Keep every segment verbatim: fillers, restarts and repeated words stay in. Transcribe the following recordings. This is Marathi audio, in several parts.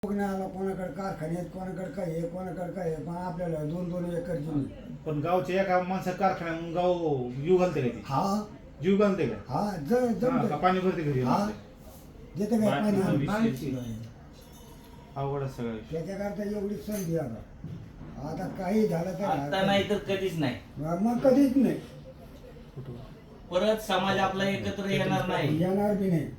कोणाला कोणाकडे कारखान्यात कोणाकडे काय आहे कोणाकडे काय आहे पण आपल्याला दोन दोन एकर जमीन. पण गावच्या एका माणसा कारखान्या म्हणून गाव जीव घालते का ते? हा जीव घालते का? हा ज हा, जमतं. का पाणी भरते का हा ते? देते काय पाणी बाकी आणून? विषय अवघड आहे सगळं विषय. त्याच्याकरता एवढी संधी आता आता काही झालं तर आता नाही तर कधीच नाही. मग कधीच नाही परत समाज आपला एकत्र येणार नाही. येणार बी नाही.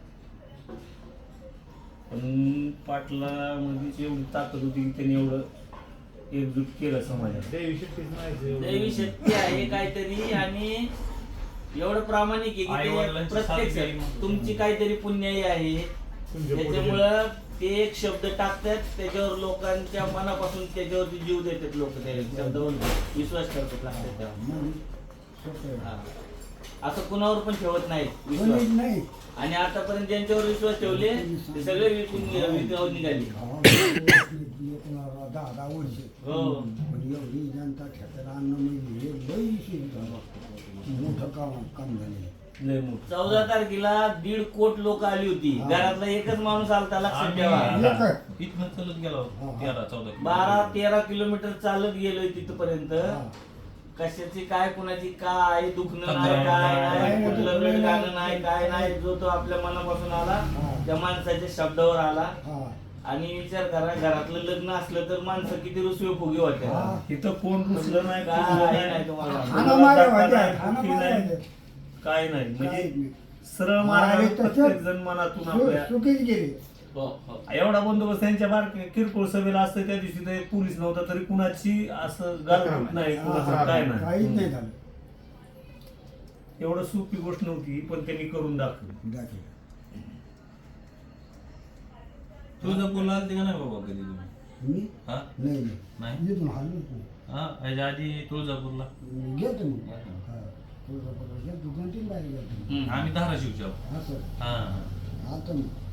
पण पाटला मध्येच एवढी ताकद होती की त्यांनी एवढं एकजूट केलं समाजात. देवी शक्तीच नाही दैवी शक्ती आहे काहीतरी आणि एवढं प्रामाणिक आहे की ते आई-वडिलांची साथ घ्यावी प्रत्यक्ष म्हणून. तुमची काहीतरी पुण्याई आहे तुमच्या पुढे त्याच्यामुळं ते एक शब्द टाकतात त्याच्यावर लोकांच्या मनापासून त्याच्यावरती जीव देतात लोक त्या शब्दावर विश्वास करतात लागतात तेव्हा. मग सोपं आहे. हा. असं कुणावर पण ठेवत नाही कोणीच विश्वास नाही. आणि आतापर्यंत ज्यांच्यावर विश्वास ठेवले ते सगळे विकून विकावून निघाले. गावाला कोणाला दहा दहा वर्ष हो. पण एवढी जनता ठेक्याला आणणं म्हणजे हे लई शिस्त मोठं काम काम झाले. लय मोठं. चौदा तारखेला दीड कोट लोक आली होती. हा. घरातला एकच माणूस आलता लक्षात ठेवा. आम्ही इथनं चालत गेलो हा. तेरा चौदा बारा तेरा किलोमीटर चालत गेलोय तिथपर्यंत. हा. कशाची काय कुणाची काय दुखणं तक्रार नाही काय नाही, नाही नाही, कुठलं नाही, रडगाणं नाही काय नाही. जो तो आपल्या मनापासून आला हा. त्या माणसाच्या शब्दावर आला. हा आणि विचार करा घरातलं लग्न असलं तर माणसं किती रुसवे फुगे होते. हा. इथं कोण रुसलं नाही काय फुगलं नाही नाही. तुम्हाला. हाना मारा दाखला व्हायच्या, नाही, हाना फुकी मारा नाही, व्हायच्या. काय नाही काहीच म्हणजे नाही. सरळ अरे मारा तसं- प्रत्येक जण मनातून सु- आपल्या सुखीच गेली. हो, हो. एवढा बंदोबस्त त्यांच्या बार किरकोळ सभेला असतं त्या दिवशी तर पोलीस नव्हता तरी कुणाची असं गालबोट नाही कुणाचं हा, काय काहीच नाही नाही झालं. एवढं सोपी गोष्ट नव्हती पण त्यांनी करून दाखवली. दाखल. तुळजापूरला आलते का नाही बाबा कधी तुम्ही? मी हा नाही नाही. नाही इथून हल्लोच नाही. हा याच्या आधी तुळजापूरला गेलतो मग हा. तुळजापूरला गेलतो. दोन तीन बाहेर गेलतो. हम्म. आम्ही धाराशिवच्या आहोत. असं हा आता मग